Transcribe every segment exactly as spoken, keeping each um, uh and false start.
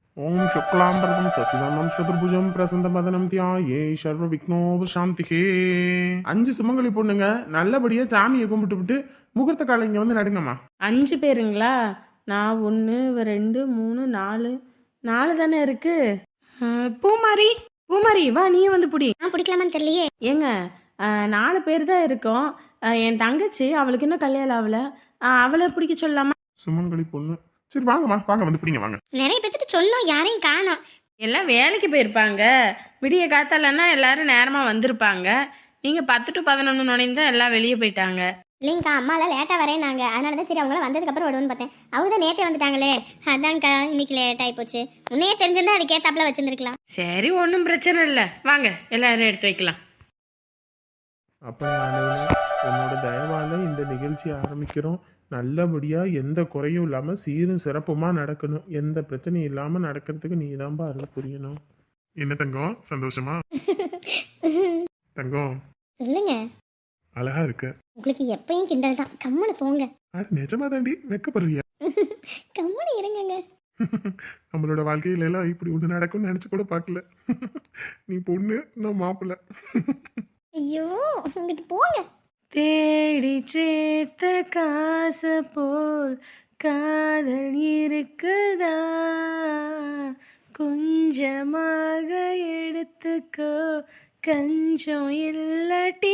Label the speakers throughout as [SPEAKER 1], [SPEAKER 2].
[SPEAKER 1] ஓம் சுக்லாம்பரம் சசிவர்ணம் சதுர்புஜம் பிரசந்தபதனம் தியாயே சர்வ விக்னோபசாந்திகே. அஞ்சு சுமங்கலி பொண்ணுங்க நல்லபடியா சாமியை கும்பிட்டு விட்டு முகூர்த்த காலை இங்க வந்து நடுங்கம்மா.
[SPEAKER 2] அஞ்சு பேருங்களா? நான் ஒன்று ரெண்டு மூணு நாலு நாலு தானே இருக்கு. அஹ், பூமாரி பூமாரி வா நீ வந்து புடி.
[SPEAKER 3] நான் பிடிக்கலாமான்னு தெரியலையே.
[SPEAKER 2] ஏங்க அஹ், நாலு பேர் தான் இருக்கோம். அஹ், என் தங்கச்சி அவளுக்கு இன்னும் கல்யாணம் ஆகல. அஹ், அவளை பிடிக்க சொல்லலாமா?
[SPEAKER 1] சுமங்கலி பொண்ணு சரி வாங்கம்மா வாங்க வந்து பிடிங்க வாங்க.
[SPEAKER 3] நிறைய பேத்துட்டு சொல்லும், யாரையும் காணோம்.
[SPEAKER 2] எல்லாம் வேலைக்கு போயிருப்பாங்க. விடிய காத்தாலன்னா எல்லாரும் நேரமா வந்திருப்பாங்க. நீங்க பத்து டு பதினொன்று நுழைந்தா எல்லாம் வெளியே போயிட்டாங்க.
[SPEAKER 3] இல்லைங்கக்கா, அம்மாலாம் லேட்டாக வரேன்னாங்க. அதனால தான் சரி அவங்கள வந்ததுக்கப்புறம் விடுவோன்னு பார்த்தேன். அவங்க தான் நேற்றே வந்துட்டாங்களே, அதான்க்கா இன்னைக்கு லேட் ஆகி போச்சு. முன்னே தெரிஞ்சிருந்தா அதுக்கேத்தாப்புல வச்சிருந்துருக்கலாம்.
[SPEAKER 2] சரி ஒன்றும் பிரச்சனை இல்லை, வாங்க எல்லாரும் எடுத்து வைக்கலாம்.
[SPEAKER 1] அப்ப ஆண்டவனே, உன்னோட தயவால இந்த நிகழ்ச்சி ஆரம்பிக்கிறோம். நல்லபடியா எந்த குறையும் இல்லாம சீரும் சிறப்புமா நடக்கணும். எந்த பிரச்சனையும் இல்லாம நடக்கிறதுக்கு நீ தான்பா அருள் புரியணும். என்ன தங்கம் சந்தோஷமா? தங்கம்
[SPEAKER 3] சொல்லுங்க.
[SPEAKER 1] அழகா இருக்க.
[SPEAKER 3] உங்களுக்கு எப்பயும் கிண்டல் தான். கம்முன்னு போங்க.
[SPEAKER 1] அட நிஜமா தாண்டி வெக்கப்படுறியா?
[SPEAKER 3] கம்முன்னு இருங்கங்க.
[SPEAKER 1] நம்மளோட வாழ்க்கையில எல்லாம் இப்படி ஒண்ணு நடக்கும்னு நினைச்சு கூட பார்க்கல. நீ பொண்ணு நான் மாப்பிள்ள.
[SPEAKER 3] ஐயோ, இங்கிட்டு போங்க.
[SPEAKER 2] தேடி சேர்த்த காசு போல் காதல் இருக்குதா, கொஞ்சமாக எடுத்துக்கோ கஞ்சம் இல்லட்டி.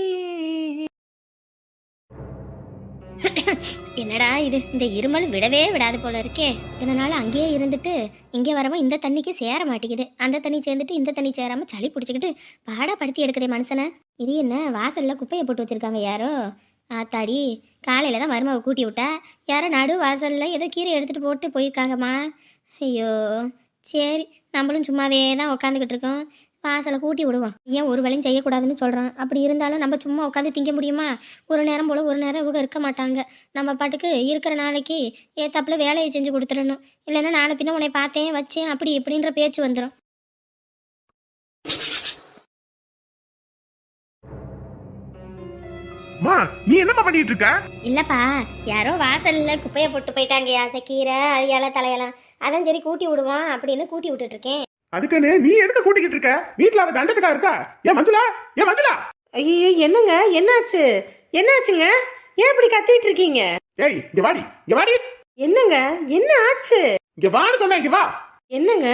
[SPEAKER 3] என்னடா இது, இந்த இருமல் விடவே விடாது போல இருக்கே. இதனால அங்கேயே இருந்துட்டு இங்கே வரவும் இந்த தண்ணிக்கு சேர மாட்டேங்குது. அந்த தண்ணி சேர்ந்துட்டு இந்த தண்ணி சேராம சளி பிடிச்சிக்கிட்டு பாடா படுத்தி எடுக்குதே மனுஷனை. இது என்ன வாசல்ல குப்பையை போட்டு வச்சிருக்காங்க யாரோ? ஆத்தாடி, காலையில தான் மருமவை கூட்டி விட்டா, யாரோ நடு வாசல்ல ஏதோ கீரை எடுத்துட்டு போட்டு போயிருக்காங்கம்மா. ஐயோ சரி, நம்மளும் சும்மாவே தான் உட்காந்துக்கிட்டு இருக்கோம். வாசலை கூட்டி விடுவோம். ஏன் ஒரு வேலையும் செய்யக்கூடாதுன்னு சொல்கிறான். அப்படி இருந்தாலும் நம்ம சும்மா உட்காந்து திங்க முடியுமா? ஒரு நேரம் போல் ஒரு நேரம் இவங்க இருக்க மாட்டாங்க. நம்ம பாட்டுக்கு இருக்கிற நாளைக்கு ஏத்தாப்புல வேலையை செஞ்சு கொடுத்துடணும். இல்லைன்னா நாளை பின்ன உன்னை பார்த்தேன் வச்சேன் அப்படி இப்படின்ற பேச்சு வந்துடும்.
[SPEAKER 1] மா நீ என்னமா பண்ணிட்டு இருக்க?
[SPEAKER 3] இல்லைப்பா, யாரோ வாசலில் குப்பையை போட்டு போயிட்டாங்க. அந்த கீரை அது இலை தலையெல்லாம், அதான் சரி கூட்டி விடுவான் அப்படின்னு கூட்டி விட்டுட்டு இருக்கேன்.
[SPEAKER 1] அதுக்குன்னு நீ எதுக்கு கூட்டிக்கிட்டு இருக்க? வீட்டுல அவ தண்டத்துக்கா இருக்கா? ஏன் மஞ்சுளா? ஏன் மஞ்சுளா?
[SPEAKER 2] ஐயோ என்னங்க, என்னாச்சு? என்னாச்சுங்க? ஏன் இப்படி கத்திட்டு இருக்கீங்க?
[SPEAKER 1] ஏய் இங்க வாடி, இங்க வாடி.
[SPEAKER 2] என்னங்க என்ன ஆச்சு?
[SPEAKER 1] இங்க வான்னு சொன்ன, இங்க வா.
[SPEAKER 2] என்னங்க?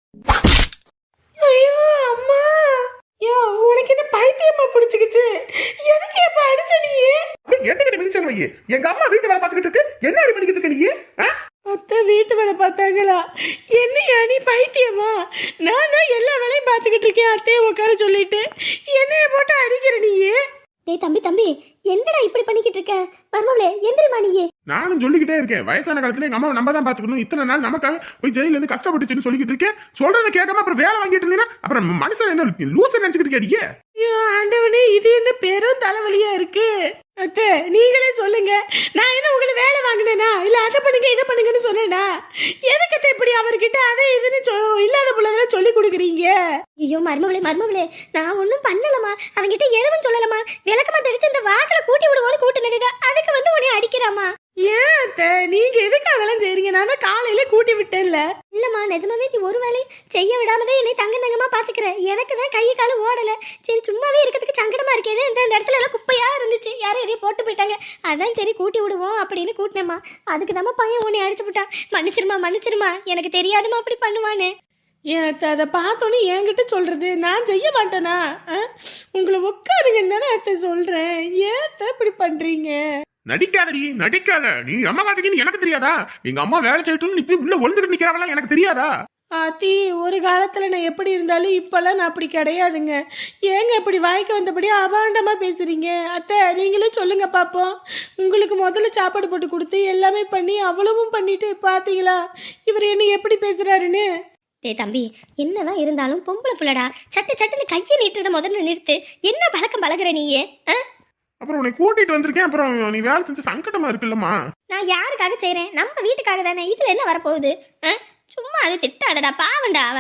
[SPEAKER 2] ஐயோ அம்மா, யோ உனக்கு என்ன பைத்தியமா பிடிச்சிக்கிச்சு? எதுக்கு எப்ப அடிச்ச நீ?
[SPEAKER 1] என்கிட்ட மிதிச்சல் வை. எங்க அம்மா வீட்டு வேலை பார்த்துக்கிட்டு இருக்கு, என்ன அடி பண்ணிக்கிட்டு இருக்க நீ?
[SPEAKER 2] அத்தை வீட்டு வேலை பார்த்தாங்களா? என்னையா நீ பைத்தியமா? நான் தான் எல்லா வேலையும் பார்த்துக்கிட்டு இருக்கேன் அத்தையை உட்கார சொல்லிட்டு என்னைய போட்டு அடிக்கிற நீயே?
[SPEAKER 3] டேய் தம்பி தம்பி, என்னடா இப்படி பண்ணிக்கிட்டு இருக்க? மர்மவளே எந்திரிமா நீயே.
[SPEAKER 1] நானும் சொல்லிக்கிட்டே இருக்கேன், வயசான காலத்துல எங்க அம்மா நம்ம தான் பாத்துக்கணும். இத்தனை நாள் நமக்காக போய் ஜெயில இருந்து கஷ்டப்பட்டுச்சுன்னு சொல்லிக்கிட்டு இருக்கேன். சொல்றதை கேட்காம அப்புறம் வேலை வாங்கிட்டு இருந்தீங்கன்னா அப்புறம் மனுஷன் என்ன லூசு நினைச்சுக்கிட்டு கேட்டீங்க?
[SPEAKER 2] ஐயோ ஆண்டவனே, இது என்ன பெரும் தலைவலியா இருக்கு. அத்தை நீங்களே சொல்லுங்க, நான் என்ன உங்களை வேலை வாங்கினேனா இல்ல அதை பண்ணுங்க இதை பண்ணுங்கன்னு சொன்னேனா? எதுக்கு இப்படி அவர்கிட்ட அதை இதுன்னு இல்லாத புள்ளதெல்லாம் சொல்லி கொடுக்குறீங்க?
[SPEAKER 3] ஐயோ மர்மவளே மர்மவளே, நான் ஒன்றும் பண்ணலமா. அவங்கிட்ட எதுவும் சொல்லலமா. விளக்கமா தெரிஞ்சு இந்த வாசலை கூட்டி விடுவோன்னு கூட்டினதுக்கு அதுக்கு வந்து உன்னை அடிக்கிறாமா.
[SPEAKER 2] ஏன் அத்தை நீங்க எதுக்கு அதெல்லாம் செய்றீங்க? நான் தான் காலையில கூட்டி விட்டேன்ல.
[SPEAKER 3] இல்லம்மா, நிஜமாவே நீ ஒரு வேலையும் செய்ய விடாமதான் என்னை தங்க தங்கமா பாத்துக்கிறேன். எனக்கு தான் கையை காலம் ஓடல. சரி சும்மாவே இருக்கிறதுக்கு சங்கடமா இருக்கேன். இந்த இடத்துல எல்லாம் குப்பையா இருந்துச்சு, யாரும் எதையும் போட்டு போயிட்டாங்க. அதான் சரி கூட்டி விடுவோம் அப்படின்னு கூட்டினேம்மா. அதுக்கு தாம்மா பையன் உன்னை அடிச்சு விட்டான். மன்னிச்சிருமா மன்னிச்சிருமா, எனக்கு தெரியாதுமா அப்படி பண்ணுவான்னு.
[SPEAKER 2] ஏன் அத்தை அதை பார்த்தோன்னே என்கிட்ட சொல்றது? நான் செய்ய மாட்டேனா? உங்களை உட்காருங்கன்னு தானே அத்தை சொல்றேன். ஏன் அத்தை இப்படி பண்றீங்க?
[SPEAKER 1] நடிக்காதடி, நடிக்காத. நீ அம்மா பாத்தீங்கன்னு எனக்கு தெரியாதா? எங்க அம்மா வேலை செய்யட்டும் இப்படி உள்ள ஒழுந்துட்டு நிக்கிறவளா எனக்கு தெரியாதா?
[SPEAKER 2] ஆத்தி, ஒரு காலத்துல நான் எப்படி இருந்தாலும் இப்பெல்லாம் நான் அப்படி கிடையாதுங்க. ஏங்க இப்படி வாய்க்கு வந்தபடி அபாண்டமா பேசுறீங்க? அத்தை நீங்களே சொல்லுங்க பாப்போம். உங்களுக்கு முதல்ல சாப்பாடு போட்டு கொடுத்து எல்லாமே பண்ணி அவ்வளவும் பண்ணிட்டு பாத்தீங்களா இவர் என்ன எப்படி பேசுறாருன்னு?
[SPEAKER 3] டேய் தம்பி, என்னதான் இருந்தாலும் பொம்பளை பிள்ளடா. சட்டு சட்டுன்னு கையை நீட்டுறத முதல்ல நிறுத்து. என்ன பழக்கம் பழகுற நீயே?
[SPEAKER 1] அப்புறம் உன்னை கூட்டிட்டு வந்திருக்கேன், அப்புறம் நீ வேலை செஞ்சு சங்கடமா இருக்குல்லம்மா.
[SPEAKER 3] நான் யாருக்காக செய்றேன்? நம்ம வீட்டுக்காக தானே. இதுல என்ன வரப்போகுது? சும்மா அதை திட்டாதடா, பாவண்டா அவ.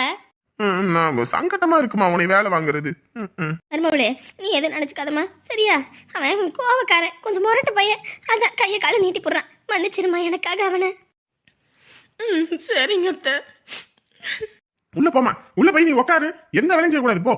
[SPEAKER 1] நான் சங்கடமா இருக்குமா உன்னை வேலை வாங்குறது?
[SPEAKER 3] மருமவளே நீ எதுவும் நினைச்சுக்காதம்மா, சரியா? அவன் கோவக்காரன், கொஞ்சம் முரட்டு பையன். அதான் கையை காலை நீட்டி போடுறான். மன்னிச்சிருமா எனக்காக அவனை.
[SPEAKER 2] ம் சரிங்க அத்தை.
[SPEAKER 1] உள்ள போமா, உள்ள போய் நீ உட்காரு, எந்த வேலையும் செய்யக்கூடாது, போ.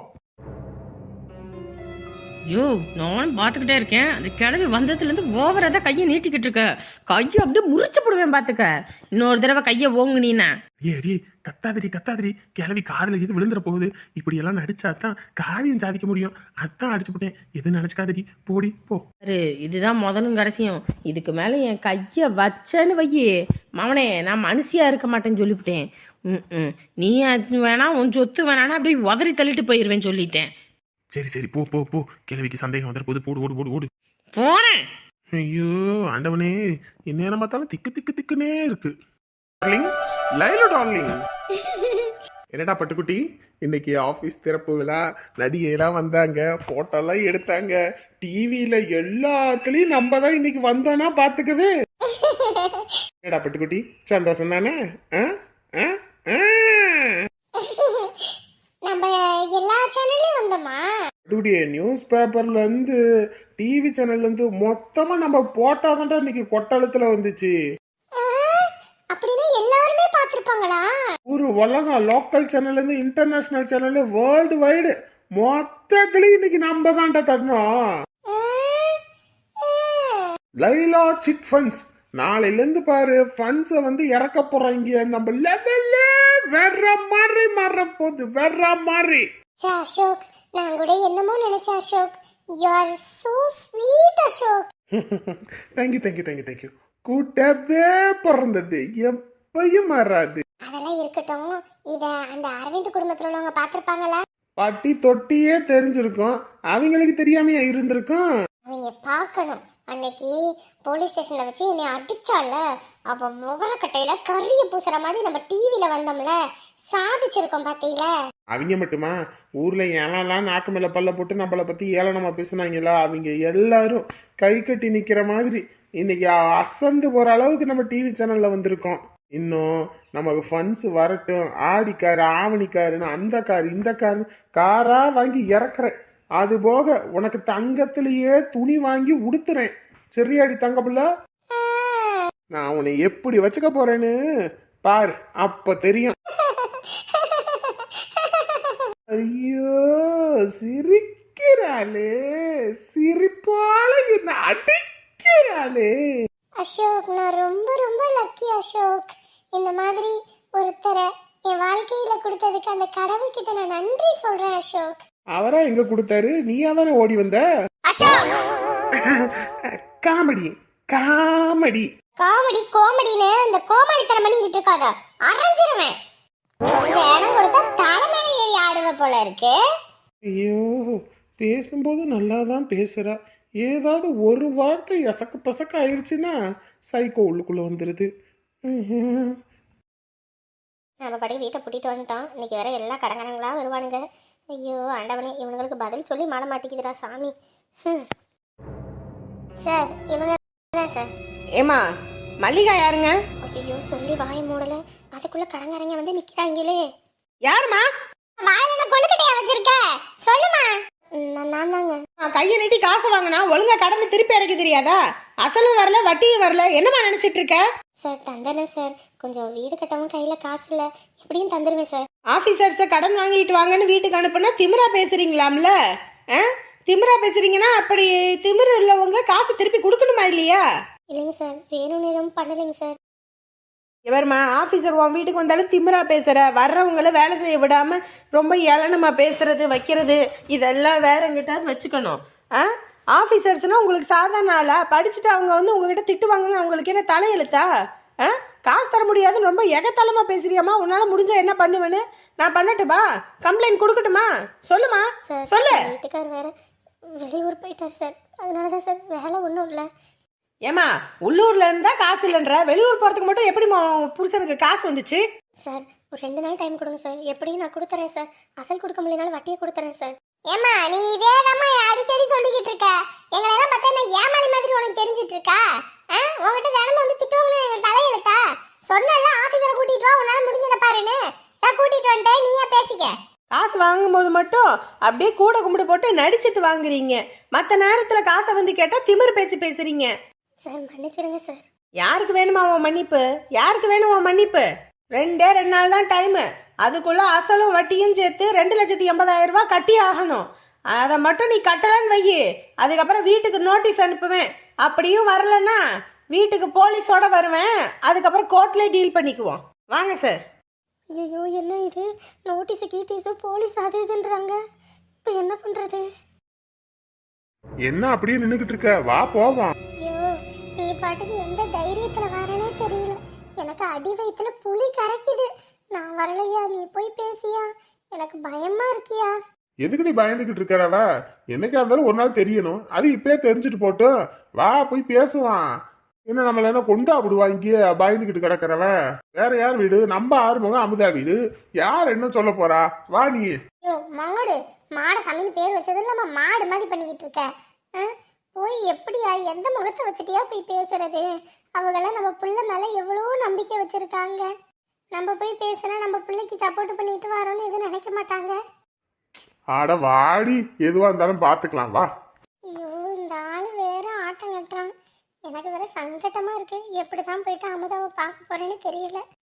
[SPEAKER 2] ஐயோ நானும் பார்த்துக்கிட்டே இருக்கேன். அந்த கிழவி வந்ததுலேருந்து ஓவராக தான் கையை நீட்டிக்கிட்டு இருக்க. கையை அப்படியே முறிச்சு போடுவேன் பார்த்துக்க. இன்னொரு தடவை கையை ஓங்குனீன்னா.
[SPEAKER 1] ஏடி கத்தாதிரி கத்தாதிரி, கிளவி காதுல இது விழுந்துற போகுது. இப்படி எல்லாம் நடிச்சாதான் காரியம் சாதிக்க முடியும். அதான் அடிச்சு போட்டேன். எது நினைச்சுக்காதடி, போடி போ.
[SPEAKER 2] இதுதான் முதலும் கடைசியும். இதுக்கு மேலே என் கையை வச்சேன்னு வையி மவனே, நான் மனுஷியா இருக்க மாட்டேன்னு சொல்லிவிட்டேன். ம் ம் நீ அது வேணா, உன் சொத்து வேணான்னா அப்படியே உதறி தள்ளிட்டு போயிடுவேன் சொல்லிட்டேன்.
[SPEAKER 1] சரி சரி, போ போ போ. கிழவிக்கு சந்தேகம் வந்துற போது, போடு ஓடு ஓடு ஓடு.
[SPEAKER 2] போறேன்.
[SPEAKER 1] ஐயோ ஆண்டவனே, எந்நேரம் பார்த்தாலும் திக்கு திக்கு திக்குனே இருக்கு. Darling, Laila darling. என்னடா பட்டுக்குட்டி, இன்னைக்கு ஆபீஸ் திறப்பு விழா, நடிகையெல்லாம் வந்தாங்க, போட்டோலாம் எடுத்தாங்க, டிவியில எல்லாத்துலயும் நம்ம தான் இன்னைக்கு வந்தோம்னா பாத்துக்கவே. என்னடா பட்டுக்குட்டி, சந்தோஷம் தானே?
[SPEAKER 3] நம்ம எல்லா சேனல்லையும் வந்தோமா?
[SPEAKER 1] நியூஸ் பேப்பர்ல இருந்து, டிவி சேனல்ல இருந்து மொத்தமா நம்ம போட்டாதான் இன்னைக்கு கொட்டளத்துல வந்துச்சு.
[SPEAKER 3] அப்படின்னா எல்லாருமே பாத்திருப்பாங்களா?
[SPEAKER 1] ஒரு உலகம், லோக்கல் சேனல்ல இருந்து இன்டர்நேஷனல் சேனல், வேர்ல்டு வைடு மொத்தத்துலயும் இன்னைக்கு நம்ம தான்டா தட்டணும். லைலா சிட் ஃபண்ட்ஸ் நாளையில இருந்து பாரு, ஃபண்ட்ஸ வந்து இறக்க போறாங்க. நம்ம லெவல்ல வேற மாதிரி மாற போகுது, வேற மாதிரி.
[SPEAKER 3] அசோக், நான் கூட என்னமோ நினைச்சேன் Ashok. You are so sweet Ashok.
[SPEAKER 1] Thank you thank you thank you thank you. கூட்டவே பிறந்தது எப்பயும் மாறாது.
[SPEAKER 3] அதெல்லாம் இருக்கட்டும், இத அந்த அரவிந்த் குடும்பத்துல உள்ளவங்க பாத்திருப்பாங்களா?
[SPEAKER 1] பாட்டி தொட்டியே தெரிஞ்சிருக்கும், அவங்களுக்கு தெரியாமையா இருந்திருக்கும்.
[SPEAKER 3] அவங்க பார்க்கணும். அன்னைக்கு போலீஸ் ஸ்டேஷன்ல வச்சு என்னை அடிச்சால, அவ முகரக்கட்டையில கரிய பூசுற மாதிரி நம்ம டிவில வந்தோம்ல, சாதிச்சிருக்கோம் பாத்தீங்கள.
[SPEAKER 1] அவங்க மட்டுமா, ஊர்ல ஏலாம் நாக்கு மேல பல்ல போட்டு நம்மளை பத்தி ஏளனமா பேசுனாங்களா, அவங்க எல்லாரும் கை கட்டி நிக்கிற மாதிரி இன்னைக்கு அசந்து போற அளவுக்கு நம்ம டிவி சேனல்ல வந்திருக்கோம். இன்னும் நமக்கு ஃபண்ட்ஸ் வரட்டும். ஆடிக்காரு, ஆவணிக்காருன்னு அந்த கார் இந்த காரு காரா வாங்கி இறக்குறேன். அது போக உனக்கு தங்கத்திலேயே துணி வாங்கி உடுத்துறேன். சரியாடி தங்க பிள்ளை? நான் உன்னை எப்படி வச்சுக்க போறேன்னு பாரு, அப்ப தெரியும். ஐயோ சிரிக்கிறாளே, சிரிப்பால என்ன அடிக்கிறாளே.
[SPEAKER 3] அசோக், நான் ரொம்ப ரொம்ப லக்கி அசோக். இந்த மாதிரி ஒருத்தரை என் வாழ்க்கையில கொடுத்ததுக்கு அந்த கடவுள் கிட்ட நான் நன்றி சொல்றேன் அசோக்.
[SPEAKER 1] அவரா எங்க கொடுத்தாரு, நீயா தானே ஓடி வந்த. காமெடி காமெடி
[SPEAKER 3] காமெடி காமெடின்னு இந்த கோமாளித்தனம் பண்ணிக்கிட்டு இருக்காத, அரைஞ்சிருவேன். கொஞ்சம் இடம் கொடுத்தா தலைமையில ஏறி ஆடுவ போல இருக்கு.
[SPEAKER 1] ஐயோ, பேசும்போது நல்லா தான் பேசுறா, ஏதாவது ஒரு வார்த்தை எசக்கு பசக்க ஆயிடுச்சுன்னா சைக்கோ உள்ளுக்குள்ள வந்துருது.
[SPEAKER 3] நம்ம பாட்டுக்கு வீட்டை பூட்டிட்டு வந்துட்டோம். இன்னைக்கு வேற எல்லா கடங்கரங்களா வருவானுங்க. ஐயோ ஆண்டவனே, இவனுங்களுக்கு பதில் சொல்லி மாட மாட்டேங்குதுடா சாமி. சார், இவங்க தான் சார்.
[SPEAKER 2] ஏமா மல்லிகா யாருங்க?
[SPEAKER 3] ஐயோ சொல்லி வாய மூடல, அதுக்குள்ள கடங்கரங்க வந்து நிக்கிறாங்களே.
[SPEAKER 2] யாருமா?
[SPEAKER 3] வாயில கொழுக்கட்டையா வச்சிருக்க, சொல்லுமா. நான் தாங்க.
[SPEAKER 2] கையை நீட்டி காசு வாங்கினா ஒழுங்கா கடனை திருப்பி அடைக்க தெரியாதா? அசலும் வரல வட்டியும் வரல, என்னமா நினைச்சிட்டு இருக்க?
[SPEAKER 3] சார் தந்துடுறேன் சார், கொஞ்சம் வீடு கட்டவும் கையில காசு இல்ல, எப்படியும் தந்துடுவேன் சார்.
[SPEAKER 2] ஆபீசர்ஸ கடன் வாங்கிட்டு வாங்கன்னு வீட்டுக்கு அனுப்புனா திமிரா பேசுறீங்களாம்ல? திமிரா பேசுறீங்கன்னா அப்படி திமிரு உள்ளவங்க காசு திருப்பி கொடுக்கணுமா இல்லையா?
[SPEAKER 3] இல்லைங்க சார், வேணும்னு எதுவும் பண்ணலைங்க சார்.
[SPEAKER 2] எவருமா ஆஃபீஸர் உன் வீட்டுக்கு வந்தாலும் திமிரா பேசுற, வர்றவங்கள வேலை செய்ய விடாம ரொம்ப ஏளனமா பேசுறது வைக்கிறது, இதெல்லாம் வேற எங்கிட்டாவது வச்சுக்கணும். ஆ ஆஃபீஸர்ஸ்னா உங்களுக்கு சாதாரண ஆளா? படிச்சுட்டு அவங்க வந்து உங்ககிட்ட திட்டுவாங்கன்னு அவங்களுக்கு என்ன தலையெழுத்தா? ஆ காசு தர முடியாதுன்னு ரொம்ப எகத்தலமா பேசுறியாமா? உன்னால முடிஞ்சா என்ன பண்ணுவேன்னு நான் பண்ணட்டுமா? கம்ப்ளைண்ட் கொடுக்கட்டுமா? சொல்லுமா, சொல்லு.
[SPEAKER 3] வீட்டுக்கார் வேற வெளியூர் போயிட்டார் சார், அதனாலதான் சார் வேலை ஒன்றும் இல்லை.
[SPEAKER 2] ஏமா உள்ளூர்ல இருந்தா காசு இல்லைன்ற, வெளியூர் போறதுக்கு மட்டும் எப்படி புருஷனுக்கு காசு வந்துச்சு?
[SPEAKER 3] சார் ஒரு ரெண்டு நாள் டைம் கொடுங்க சார், எப்படியும் நான் கொடுத்துறேன் சார். அசல் கொடுக்க முடியலனாலும் வட்டியை கொடுத்துறேன் சார். ஏமா நீ இதேதாம்மா அடிக்கடி சொல்லிக்கிட்டு இருக்க, எங்களெல்லாம் பார்த்தா நான் ஏமாளி மாதிரி உனக்கு தெரிஞ்சிட்டு இருக்கா? உங்ககிட்ட தினமும் வந்து திட்டுவாங்கன்னு எங்களுக்கு தலையெழுத்தா? சொன்னல ஆபீஸரை கூட்டிட்டு வா, உன்னால முடிஞ்சத பாருன்னு, நான் கூட்டிட்டு வந்துட்டேன், நீயா பேசிக்க.
[SPEAKER 2] காசு வாங்கும் போது மட்டும் அப்படியே கூட கும்பிடு போட்டு நடிச்சிட்டு வாங்குறீங்க, மற்ற நேரத்துல காசை வந்து கேட்டா திமிரு பேச்சு பேசுறீங்க.
[SPEAKER 3] சார் மன்னிச்சிருங்க சார்.
[SPEAKER 2] யாருக்கு வேணுமா உன் மன்னிப்பு? யாருக்கு வேணும் உன் மன்னிப்பு? ரெண்டே ரெண்டு நாள் தான் டைமு, அதுக்குள்ள அசலும் வட்டியும் சேர்த்து ரெண்டு லட்சத்தி எண்பதாயிரம் ரூபாய் கட்டி ஆகணும். அதை மட்டும் நீ கட்டலான்னு வை. அதுக்கப்புறம் வீட்டுக்கு நோட்டீஸ் அனுப்புவேன். அப்படியும் வரலன்னா வீட்டுக்கு போலீஸோட வருவேன். அதுக்கப்புறம் கோர்ட்ல டீல் பண்ணிக்குவோம். வாங்க சார்.
[SPEAKER 3] ஐயோ என்ன இது, நோட்டீஸு கீட்டீஸு போலீஸ் அது இதுன்றாங்க. இப்போ என்ன பண்ணுறது?
[SPEAKER 1] என்ன அப்படியே நின்றுக்கிட்டு இருக்க? வா போவோம்.
[SPEAKER 3] ஐயோ நீ பாட்டுக்கு எந்த தைரியத்தில் வரேனே தெரியல. எனக்கு அடி வயிற்றுல புலி கரைக்குது. நான் வரலையா, நீ போய் பேசியா? எனக்கு பயமா இருக்கியா?
[SPEAKER 1] எதுக்கு நீ பயந்துகிட்டு இருக்கிறவ? என்னைக்கா இருந்தாலும் ஒரு நாள் தெரியணும். அது இப்பயே தெரிஞ்சுட்டு போட்டு வா போய் பேசுவான். என்ன நம்மள என்ன கொண்டா விடுவா இங்கேயே பயந்துகிட்டு கிடக்கிறவ? வேற யார் வீடு? நம்ம ஆறுமுகம் அமுதா வீடு. யார் என்ன சொல்ல போறா? வா நீ.
[SPEAKER 3] ஐயோ மாடு மாட சாமின்னு பேர் வச்சது இல்லாம மாடு மாதிரி பண்ணிக்கிட்டு இருக்க. ஆ? போய் எப்படியா, எந்த முகத்தை வச்சுட்டியா போய் பேசுறது? அவங்களாம் நம்ம பிள்ளை மேல எவ்வளோ நம்பிக்கை வச்சிருக்காங்க. நம்ம போய் பேசுனா நம்ம பிள்ளைக்கு சப்போர்ட் பண்ணிட்டு வரோன்னு எதுவும் நினைக்க மாட்டாங்க.
[SPEAKER 1] ஆட வாடி, எதுவா இருந்தாலும் பாத்துக்கலாம் வா.
[SPEAKER 3] ஐயோ இந்த ஆள் வேற ஆட்டம் கட்டுறான். எனக்கு வேற சங்கட்டமா இருக்கு. எப்படிதான் போயிட்டு அமுதாவை பார்க்க போறேன்னு தெரியல.